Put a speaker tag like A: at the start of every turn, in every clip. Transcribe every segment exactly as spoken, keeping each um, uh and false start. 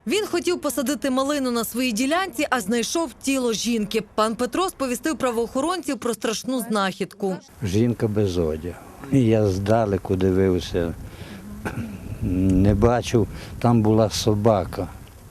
A: Він хотів посадити малину на своїй ділянці, а знайшов тіло жінки. Пан Петро сповістив правоохоронців про страшну знахідку.
B: Жінка без одягу. Я здалеку дивився, не бачив, там була собака.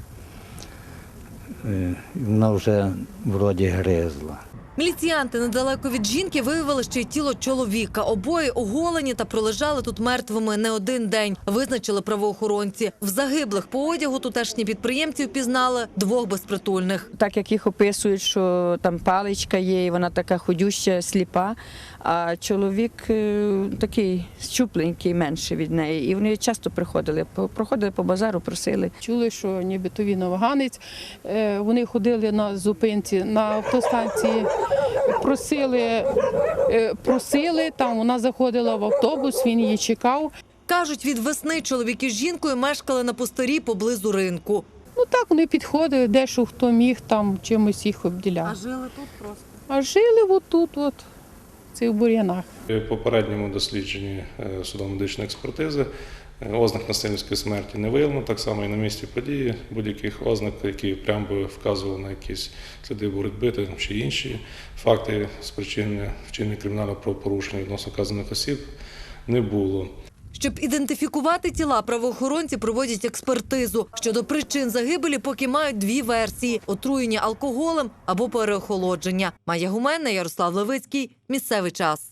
B: Вона вже вроді гризла.
A: Міліціянти недалеко від жінки виявили ще й тіло чоловіка. Обоє оголені та пролежали тут мертвими не один день, визначили правоохоронці. В загиблих по одягу тутешні підприємці впізнали двох безпритульних.
C: Так як їх описують, що там паличка є, і вона така ходюща, сліпа, а чоловік такий щупленький, менше від неї. І вони часто приходили, проходили по базару, просили.
D: Чули, що нібито він афганець. Вони ходили на зупинці, на автостанції, просили, просили, там вона заходила в автобус, він її чекав.
A: Кажуть, від весни чоловіки з жінкою мешкали на пустирі поблизу ринку.
D: Ну так, вони підходили, дещо хто міг, там чимось їх обділяв.
A: А жили тут просто?
D: А жили отут, от, в цих бур'янах.
E: В попередньому дослідженні судово-медичної експертизи ознак насильницької смерті не виявлено, так само і на місці події будь-яких ознак, які прямо би вказували на якісь сліди боротьби чи інші факти спричинення вчинення кримінального правопорушення відносно вказаних осіб не було.
A: Щоб ідентифікувати тіла, правоохоронці проводять експертизу. Щодо причин загибелі поки мають дві версії – отруєння алкоголем або переохолодження. Майя Гуменна, Ярослав Левицький. Місцевий час.